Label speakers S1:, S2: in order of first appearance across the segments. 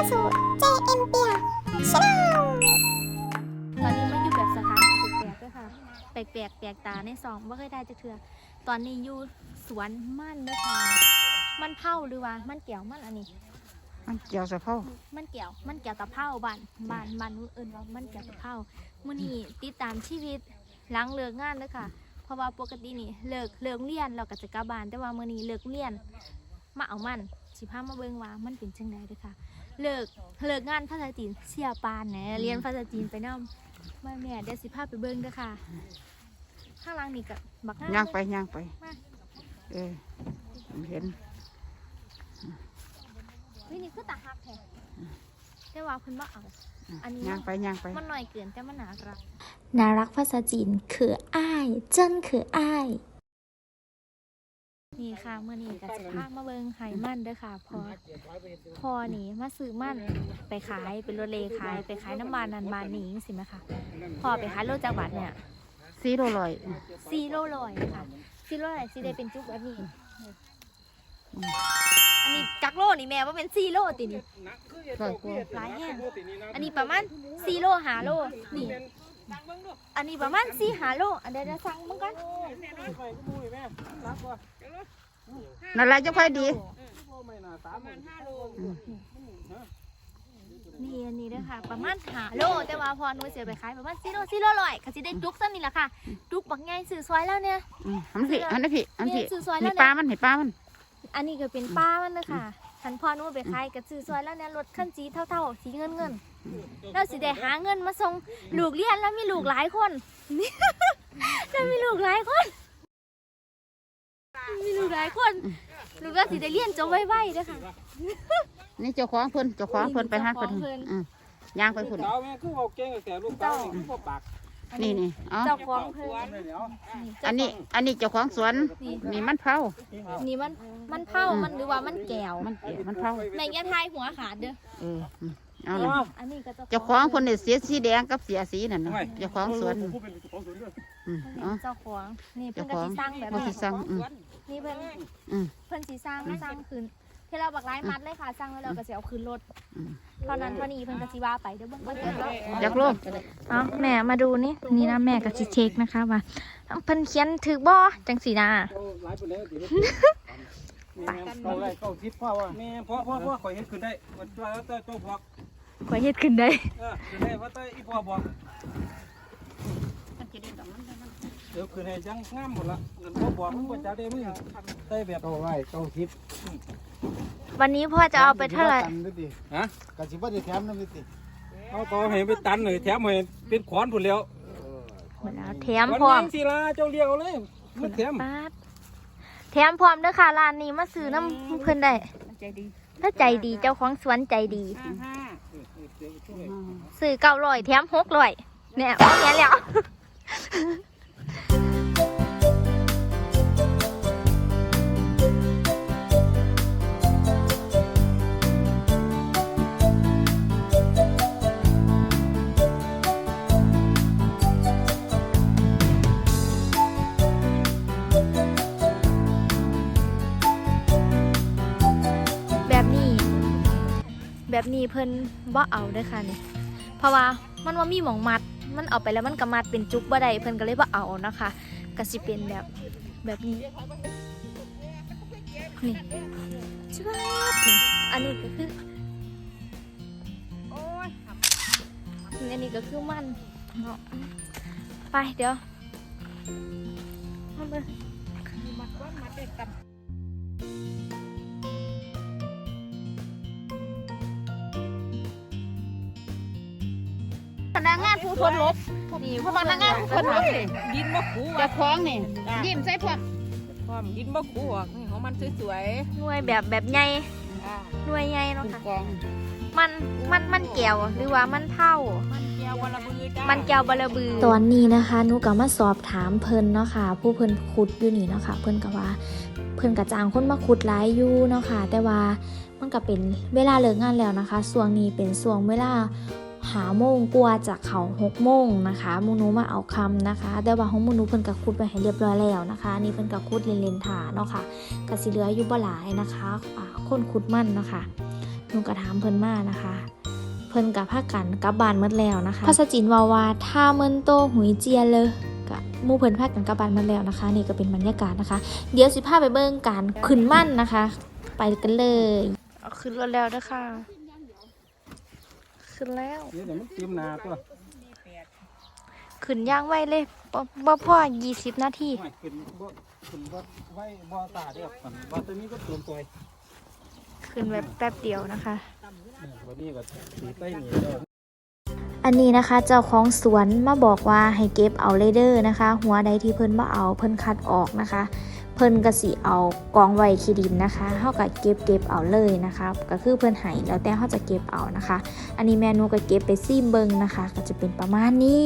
S1: สู่ JM เปียชาแนล
S2: ตอนนี้มันอยู่แบบสถานที่แปลกๆด้วยค่ะแปลกตาในซองว่าเคยได้จะเถื่อตอนนี้อยู่สวนมันด้วยค่ะมันเผาหรือว่ามันเกี่ยวมันอันนี้
S3: มันเกี่ยวสะเพา
S2: มันเกี่ยวตะเผาบ้านอื่นว่ามันเกี่ยวตะเผามื้อนี้ติดตามชีวิตหลังเลิกงานด้วยค่ะเพราะว่าปกตินี่เลิกเรียนเราก็จะกลับบ้านแต่ว่ามื้อนี้เลิกเรียนมาเอามันสิพามาเบิ่งว่ามันเป็นจังไดด้วยค่ะเลิกงานภาษาจีนเสียปานแหนเรียนภาษาจีนไปนำแม่เดี๋ยวสิพาไปเบิ่งด้วยค่ะข้างล่างนี่ก็บัก
S3: ย่างไปเห็น
S2: วินี่คือตาหักแท้แต่ว่าคุณว่าเอาอันนี้
S3: ย่างไป
S2: มันหน่อยเกินแต่มันน่า
S1: รักภาษาจีนคืออ้ายเจิ้นคืออ้าย
S2: นี่ค่ะเมื่อนี้ก็จะพามาเบิ่งไห้มันเด้อค่ะพอนี่มาซื้อมันไปขายเป็นรถเลขายไปขายน้ำมันนันบานนี้สิไหมคะพอไปขายโลจากบัตรเนี่ย
S3: 4 โลร้อย
S2: ค่ะ4 โลร้อยสิได้เป็นจุกแบบนี้อันนี้จักโลนี่แม่ว่าเป็น4 โลตินี่
S3: ร้อยกว่า
S2: หลายแห้งอันนี้ประมาณ4 โล5 โลนี่อันนี้ประมาณ4 5 โลอันเดี๋ยวสั่งมึงกัน
S3: นั่นแหละจะค่อยดี
S2: นี่อันนี้ด้วยค่ะประมาณ5 โลแต่ว่าพอหนูเสียไปขายประมาณ4 โลร้อยก็สิได้จุกซ้ำนี่แหละค่ะจุกบักใหญ่ซื้อซอยแล้วเนี่ย
S3: อันนี้มีปลามัน
S2: อันนี้ก็เป็นปลามันเลยค่ะฉันพอหนูไปขายก็ซื้อซอยแล้วเนี่ยรถคันสีเท่าสีเงินแล้วสิได้หาเงินมาส่งลูกเรียนแล้วมีลูกหลายคนแล้วมีลูกหลายคนลูกก็สิได้เรียนจบไวๆด้วยค่ะ
S3: นี่เจ้าของเพิ่นไปหาเพิ่นย่างไปเพิ่นนี่อ๋อ
S2: เจ้าของเพิ่น
S3: อันนี้เจ้าของสวนนี่มันเผา
S2: นี่มันเผามันหรือว่ามันแก้ว
S3: มันเผา
S2: ในแง่ทายหัวขาดเด้อ
S3: เอาเลยเจ้าของคนเนี่ยเสียสีแดงกับเสียสีนั่นนะเจ้าของสวน
S2: เจ้าของนี่เพิ่นก็สิสร้างแบบนี้นี่เพิ่นสิสร้างขึ้นที่เราบักไล่มัดเลยค่ะสร้างแล้วเราก็สิเอาขึ้นรถเท่านั้นเท่านี้เพิ่นก็สิว่าไปเด้อบ่เกินแล้ว
S3: อยากรู้
S2: แม่มาดูนี่นะแม่ก็สิเช็คนะคะว่าเพิ่นเขียนถูกบ่จังซี่นะ
S4: เข้าคิดพ่อว่าแม่พ่อข่อยเฮ็ดขึ้นได้ว่าแต่เจ้าบอก
S2: ข่อยเฮ็ดขึ้นได้
S4: ขึ้นได้ว่าแต่อีพ่อบอกเดี๋ยวขึ้นให้จังงามหมดละเงินพ่อบอกมันบ่จะได้มึงได้แบบเอาไว้เข้าคิด
S2: วันนี้พ่อจะเอาไปเท่าไหร่
S4: ฮะกะสิบ่ได้แถมนำนี่ติเอาต่อให้ไปตันหน่อยแถมให้เป็นขอนพุ่นแล้ว
S2: หมดแล้วแถมพร้อม
S4: สิล่ะเจ้าเรียกเอาเลยมันแถม
S2: พร้อมเด้อค่ะร้านนี้มาซื้อน้ำเพิ่นได้ถ้าใจดีเจ้าของสวนใจดีซื้อ900แถม600เนี่ยเอาแค่แล้วแบบนี้เพิ่นบ่เอาเด้อค่ะนี่เพราะว่ามันว่ามีหม่องมัดมันเอาไปแล้วมันก็มัดเป็นจุกบ่ได้เพิ่นก็เลยบ่เอานะคะก็สิเป็นแบบนี้นี่ชิบะนี่อันนี้ก็คืออันนี้ก็คือมันเนาะไปเดี๋ยวมัดได้กัน
S3: พนักงานผู้ทนลบนี่พนักงานผู้ทนลบนี่
S4: ดินบ่คู
S3: จะคล้องนี่ยิ้มใส่พวก
S4: ดินบ่คูนี่ของมันสวย
S2: ๆหน่วยแบบใหญ่หน่วยใหญ่เนาะค่ะมันแก้วหรือว่ามันเผา
S4: มันแก้วบะระบือจ้า
S2: มันแก้วบะระบือ
S1: ตอนนี้นะคะหนูก็มาสอบถามเพิ่นเนาะค่ะผู้เพิ่นขุดอยู่นี่เนาะค่ะเพิ่นก็ว่าเพิ่นก็จ้างคนมาขุดหลายอยู่เนาะค่ะแต่ว่ามันก็เป็นเวลาเลิกงานแล้วนะคะช่วงนี้เป็นช่วงเวลา5 โมงกว่าจากเขา6 โมงนะคะมูนูมาเอาคำนะคะแต่ว่าของมูนูเพิ่นก็ขุดไปให้เรียบร้อยแล้วนะคะนี่เพิ่นก็ขุดเล่นๆถาเนาะค่ะก็สิเหลืออยู่บ่หลายนะคะคนขุดมันเนาะค่ะหนูก็ถามเพิ่นมานะคะ เพิ่นกับพากันกลับบ้านหมดแล้วนะคะภาษาจีนว่าถ้าเมินโตหุยเจียเลยกับหมู่เพิ่นพากันกลับบ้านหมดแล้วนะคะ นี่ก็เป็นบรรยากาศนะคะ เดี๋ยวสิพาไปเบิ่งการขึ้นมั่นนะคะ ไปกันเลยเอาขึ้นรถแล้วเด้อค่ะ ขึ้นแล้ว
S4: เดี๋ยวมันเตรียมนาตัว
S1: ขึ้นย่างไวเลยบ่พอ20 นาที
S4: ไม่ขึ้นบ่ไว้บ่ตาเด้อมันบ่ตัวนี้ก็เตรียมตัว
S1: ขึ้นแบบแป๊บเดียวนะคะ
S4: วันนี้ก็สีใต้หนีแล้ว
S1: อันนี้นะคะเจ้าของสวนมาบอกว่าให้เก็บเอาเลยเด้อนะคะ หัวใดที่เพิ่นบ่เอาเพิ่นคัดออกนะคะ เพิ่นก็สิเอากองไว้ขี้ดินนะคะเฮาก็เก็บเอาเลยนะคะก็คือเพิ่นให้แล้วแต่เฮาจะเก็บเอานะคะ อันนี้แม่หนูก็เก็บไปซิมเบิ่งนะคะ ก็จะเป็นประมาณนี้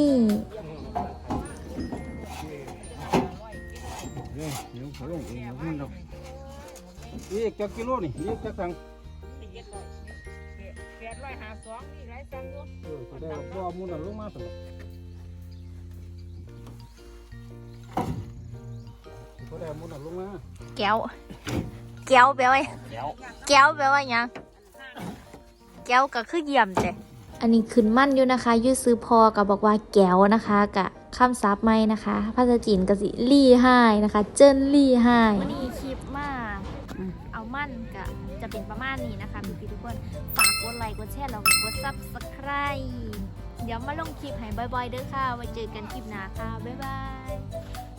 S4: เดี๋ยวเขาลงเองมันดอกอีกจักกิโลนี่อีกจักตังก็ได้บ่มูนั่นลงมาซั่นก็ได้มูนั่นลงมา
S1: แก้วแปลว่าแก้วแปลว่าหยังแก้วก็คือเยี่ยมเด้อันนี้ขึ้นมั่นอยู่นะคะอยู่ซื้อพอก็บอกว่าแก้วนะคะกะคำศัพท์ใหม่นะคะภาษาจีนก็สิลี่ไห้นะคะเจิ้นลี่ไห้
S2: วันนี้คลิปมาเอามั่นก็จะเป็นประมาณนี้นะคะพี่ๆทุกคนฝากกดไลค์กดแชร์แล้วก็กด Subscribe เดี๋ยวมาลงคลิปให้บ่อยๆเด้อค่ะไว้เจอกันคลิปหน้าค่ะบ๊ายบาย